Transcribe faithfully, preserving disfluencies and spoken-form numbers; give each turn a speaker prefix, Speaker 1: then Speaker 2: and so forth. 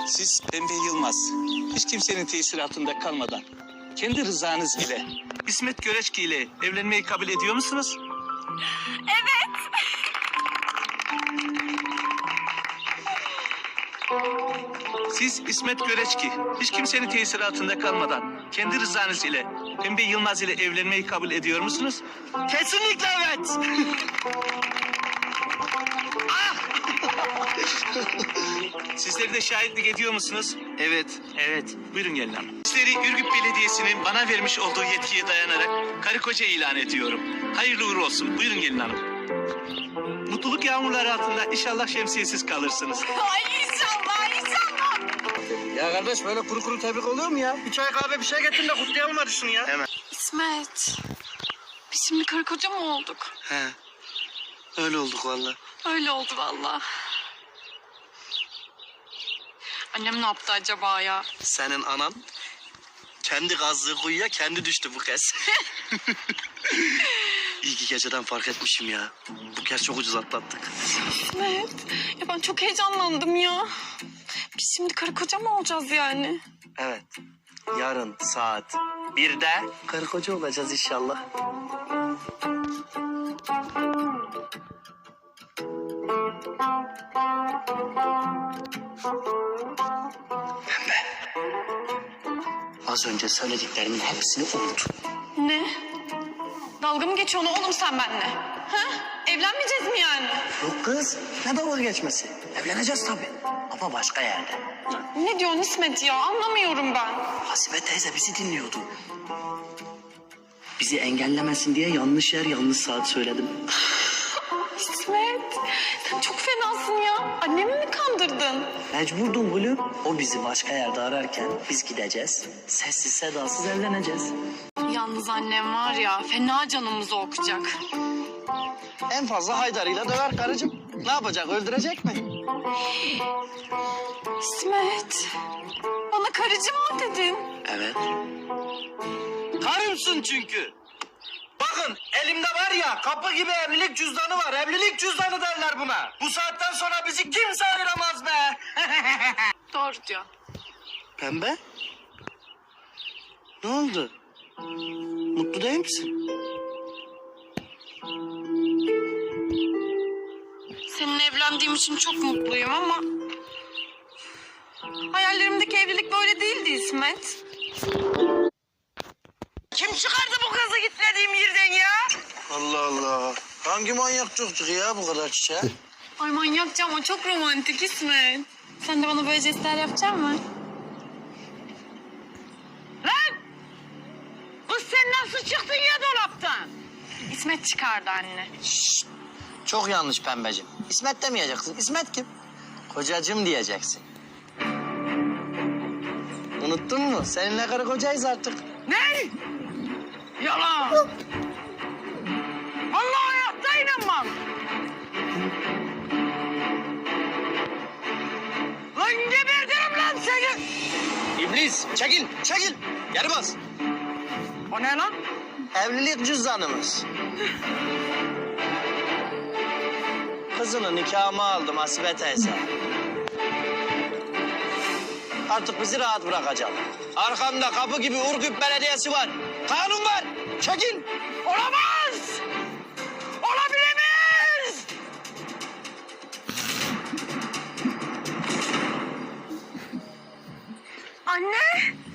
Speaker 1: Siz Pembe Yılmaz, hiç kimsenin tesiri altında kalmadan, kendi rızanız ile, İsmet Göreçki ile evlenmeyi kabul ediyor musunuz?
Speaker 2: Evet.
Speaker 1: Siz İsmet Göreçki, hiç kimsenin tesiri altında kalmadan, kendi rızanız ile, Pembe Yılmaz ile evlenmeyi kabul ediyor musunuz?
Speaker 3: Kesinlikle evet.
Speaker 1: Sizleri de şahitlik ediyor musunuz?
Speaker 3: Evet.
Speaker 1: Evet. Buyurun gelin hanım. Sizleri Ürgüp Belediyesi'nin bana vermiş olduğu yetkiye dayanarak karı koca ilan ediyorum. Hayırlı uğurlu olsun. Buyurun gelin hanım. Mutluluk yağmurları altında inşallah şemsiyesiz kalırsınız.
Speaker 2: Ay inşallah inşallah.
Speaker 3: Ya kardeş böyle kuru kuru tebrik oluyor mu ya? Bir çay kahve bir şey getirin de kutlayalım hadi şunu ya. Hemen.
Speaker 2: İsmet. Biz şimdi karı koca mı olduk?
Speaker 3: He. Öyle olduk vallahi.
Speaker 2: Öyle oldu vallahi. Annem ne yaptı acaba ya?
Speaker 3: Senin anan kendi kazdığı kuyuya kendi düştü bu kez. İyi ki geceden fark etmişim ya. Bu kez çok ucuz atlattık.
Speaker 2: İsmet. Ya ben çok heyecanlandım ya. Biz şimdi karı koca mı olacağız yani?
Speaker 3: Evet. Yarın saat birde karı koca olacağız inşallah. Pembe. Az önce söylediklerimin hepsini unut.
Speaker 2: Ne? Dalga mı geçiyorsun oğlum sen benimle? Ha? Evlenmeyeceğiz mi yani?
Speaker 3: Yok kız. Ne dalga geçmesi? Evleneceğiz tabii. Ama başka yerde.
Speaker 2: Ne diyorsun İsmet ya? Anlamıyorum ben.
Speaker 3: Hasibe teyze bizi dinliyordu. Bizi engellemesin diye yanlış yer yanlış saat söyledim.
Speaker 2: İsmet, sen çok fenasın ya. Annemi mi kandırdın?
Speaker 3: Mecburdum gülüm. O bizi başka yerde ararken biz gideceğiz. Sessiz sedasız evleneceğiz.
Speaker 2: Yalnız annem var ya, fena canımızı okuyacak.
Speaker 3: En fazla Haydar'ıyla döver karıcığım. Ne yapacak, öldürecek mi?
Speaker 2: İsmet, bana karıcı mı dedin?
Speaker 3: Evet. Karımsın çünkü. Bakın elimde var ya kapı gibi evlilik cüzdanı var. Evlilik cüzdanı derler buna. Bu saatten sonra bizi kimse ayıramaz be.
Speaker 2: Doğru diyor.
Speaker 3: Pembe? Ne oldu? Mutlu değil misin?
Speaker 2: Seninle evlendiğim için çok mutluyum ama... hayallerimdeki evlilik böyle değildi İsmet.
Speaker 3: Kim çıkardı bu kızı gitmediğim yerden ya? Allah Allah. Hangi manyak çocuk ya bu kadar çiçeğe?
Speaker 2: Ay manyakça ama çok romantik İsmet. Sen de bana böyle jestler yapacak mısın?
Speaker 4: Lan! Kız sen nasıl çıktın ya dolaptan?
Speaker 2: İsmet çıkardı anne.
Speaker 3: Çok yanlış Pembeciğim. İsmet demeyeceksin. İsmet kim? Kocacığım diyeceksin. Unuttun mu? Seninle karı kocayız artık.
Speaker 4: Ne? Yalan. Vallahi hayatta inanmam. Lan gebertirim lan seni.
Speaker 3: İblis çekil çekil. Geri bas.
Speaker 4: O ne lan?
Speaker 3: Evlilik cüzdanımız. Kızını nikahıma aldım Hasibe teyze. Artık bizi rahat bırakacak. Arkamda kapı gibi Urgüp Belediyesi var. Kanun var. Çekil.
Speaker 4: Olamaz. Olabilemez.
Speaker 2: Anne!